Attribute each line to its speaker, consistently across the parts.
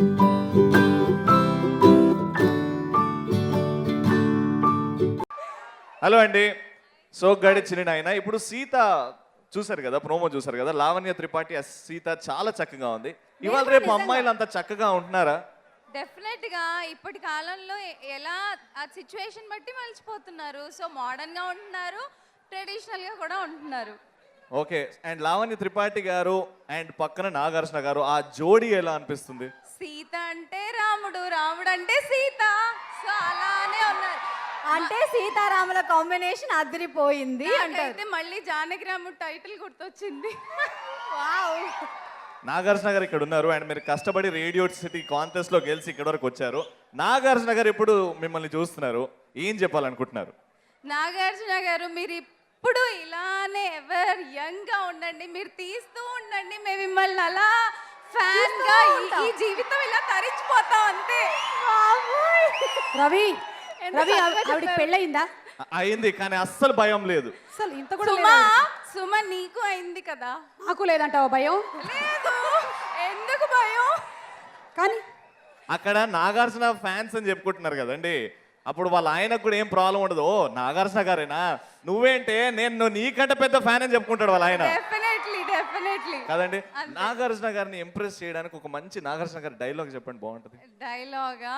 Speaker 1: Hello అండి, సోగ్గాడి చిన్న నాయన. ఇప్పుడు సీత చూసారు కదా, ప్రోమో చూసారు కదా, లావణ్య త్రిపాఠి సీత చాలా చక్కగా ఉంది. ఇవాళ రేపు అమ్మాయిలు అంత చక్కగా ఉంటున్నారా?
Speaker 2: డెఫినెట్ గా ఇప్పటి కాలంలో ఎలా ఆ సిచ్యువేషన్ బట్టి మలిచిపోతున్నారు. సో మోడర్న్ గా ఉంటున్నారు, ట్రెడిషనల్ గా కూడా ఉంటున్నారు.
Speaker 1: ఓకే, అండ్ లావణ్య త్రిపాఠి గారు అండ్ పక్కన నాగార్జున గారు, ఆ జోడీ ఎలా అనిపిస్తుంది?
Speaker 2: సీత అంటే రాముడు, రాముడు అంటే సీత, సో అలానే ఉన్నారు.
Speaker 3: అంటే సీతారాముల కాంబినేషన్ అదిరిపోయింది
Speaker 2: అంటే మళ్ళీ జానకి రాముడు టైటిల్ గుర్తొచ్చింది.
Speaker 3: వావ్.
Speaker 1: నాగార్జున గారు ఇక్కడ ఉన్నారు అండ్ మీరు కష్టపడి రేడియో సిటీ కాంటెస్ట్ లో గెలిచి ఇక్కడ వరకు వచ్చారు. నాగార్జున గారు ఇప్పుడు మిమ్మల్ని చూస్తున్నారు, ఏం చెప్పాలనుకుంటున్నారు?
Speaker 2: నాగార్జున గారు, మీరు ఇప్పుడు ఇలానే ఎవర్ యంగ్ గా ఉండండి, మీరు తీస్తూ ఉండండి, మేము మిమ్మల్ని అలా ఫ్యాన్ గా ఈ జీవితం ఇలా తరించిపోతాం అంతే.
Speaker 3: రవి రవి ఆవిడకి పెళ్ళయిందా?
Speaker 1: అయింది, కానీ అస్సలు భయం లేదు.
Speaker 3: అసలు ఇంత కూడా
Speaker 2: సుమ నీకు అయింది కదా?
Speaker 3: నాకు లేదంటావా భయం?
Speaker 2: లేదు, ఎందుకు భయం?
Speaker 3: కానీ
Speaker 1: అక్కడ నాగార్జున ఫ్యాన్స్ అని చెప్పుకుంటున్నారు కదండి, అప్పుడు వాళ్ళ ఆయనకు కూడా ఏం ప్రాబ్లం ఉండదు. ఓ నాగార్జున గారేనా, నువ్వేంటే నేను నీకంటే పెద్ద ఫ్యాన్ అని చెప్పుకుంటాడు వాళ్ళ ఆయన.
Speaker 2: డెఫినెట్లీ
Speaker 1: కదండి. నాగార్జున గారిని ఇంప్రెస్ చేయడానికి ఒక మంచి నాగార్జున గారి డైలాగ్ చెప్పండి, బాగుంటది.
Speaker 2: డైలాగా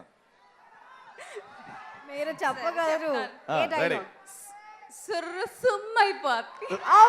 Speaker 3: మీరు చెప్పగలరు?
Speaker 2: సుర్రు సుమ్మైపోద్ది.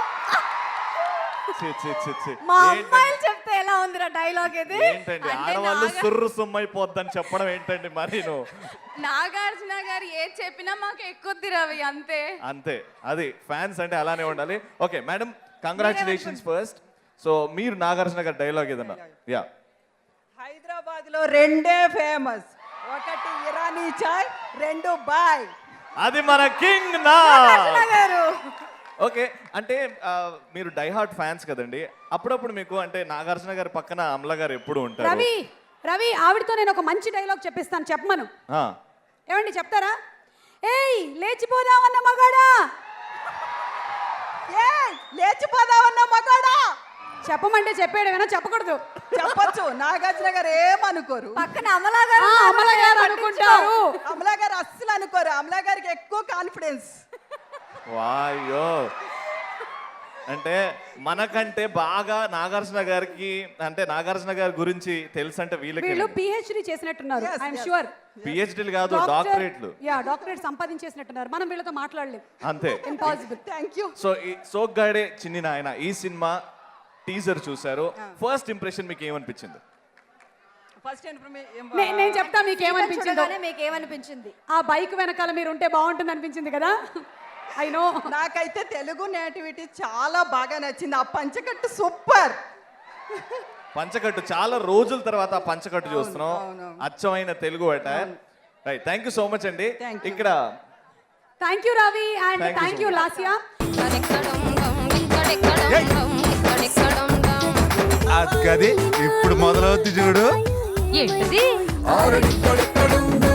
Speaker 3: మా అమ్మాయిలు చెప్తే ఎలా ఉందిరా డైలాగ్ ఇది?
Speaker 1: ఏంటండి ఆడవాళ్ళు సుర్రు సుమ్మైపోద్దని చెప్పడం ఏంటండి? మరి
Speaker 2: నాగార్జున గారు ఏది చెప్పినా మాకు ఎక్కుద్ది రవి, అంతే
Speaker 1: అంతే. అది ఫ్యాన్స్ అంటే అలానే ఉండాలి. Okay madam, congratulations first. So మీరు నాగార్జున గారి డైలాగ్ ఏదన్నా? యా.
Speaker 4: హైదరాబాద్ లో రెండే ఫేమస్, ఒకటి ఇరానీ చాయ్, రెండు బాయ్.
Speaker 1: అది మన కింగ్ నా
Speaker 3: గారు.
Speaker 1: ఓకే, అంటే మీరు డై హార్ట్ ఫ్యాన్స్ కదండి, అప్పుడప్పుడు మీకు అంటే నాగార్జున గారి పక్కన అమల గారు ఎప్పుడు ఉంటారు?
Speaker 3: రవి రవి ఆవిడతో నేను ఒక మంచి డైలాగ్ చెప్పిస్తాను, చెప్పమను. ఏమండి చెప్తారా? ఏయ్ లేచిపోదామన్న మగాడా,
Speaker 4: లేచిపోదామన్న మగాడా.
Speaker 3: చెప్పమంటే చెప్పేయడమేనా, చెప్పకూడదు?
Speaker 4: చెప్పొచ్చు, నాగార్జున గారు ఏమనుకోరు.
Speaker 3: పక్కన అమలా గారు అనుకుంటారు.
Speaker 4: అమలా గారు అస్సలు అనుకోరు, అమలా గారికి ఎక్కువ కాన్ఫిడెన్స్.
Speaker 1: వాయ్యో, అంటే మనకంటే బాగా నాగార్జున గారికి, అంటే నాగార్జున గారి గురించి తెలుసు అంటే
Speaker 3: వీళ్ళు పిహెచ్డి చేసినట్టున్నారు. ఐఎమ్ షూర్
Speaker 1: పిహెచ్డీలు కాదు, డాక్టరేట్లు.
Speaker 3: Yeah, doctorate సంపాదించేసినట్టున్నారు. మనం వీళ్ళతో మాట్లాడలేం,
Speaker 1: అంతే,
Speaker 3: impossible.
Speaker 4: Thank you.
Speaker 1: So Soggade Chinni Nayana ఈ సినిమా టీజర్ చూసారు, ఫస్ట్ ఇంప్రెషన్ మీకు ఏమనిపించింది?
Speaker 3: నేను చెప్తా మీకేమనిపించిందో.
Speaker 4: మీకేమనిపించింది?
Speaker 3: ఆ బైక్ వెనకాల మీరు ఉంటే బాగుంటుంది అనిపించింది కదా? I know.
Speaker 4: నాకైతే తెలుగు నేటివిటీ చాలా బాగా నచ్చింది. ఆ పంచకట్టు సూపర్.
Speaker 1: పంచకట్టు చాలా రోజుల తర్వాత ఆ పంచకట్టు చూస్తున్నాం, అచ్చమైన తెలుగు అట. Right, thank you so much అండి. ఇక్కడ
Speaker 3: thank you Ravi and thank you Lasya.
Speaker 5: అది ఇప్పుడు మొదలవుద్ది చూడు.
Speaker 2: ఏంటిది?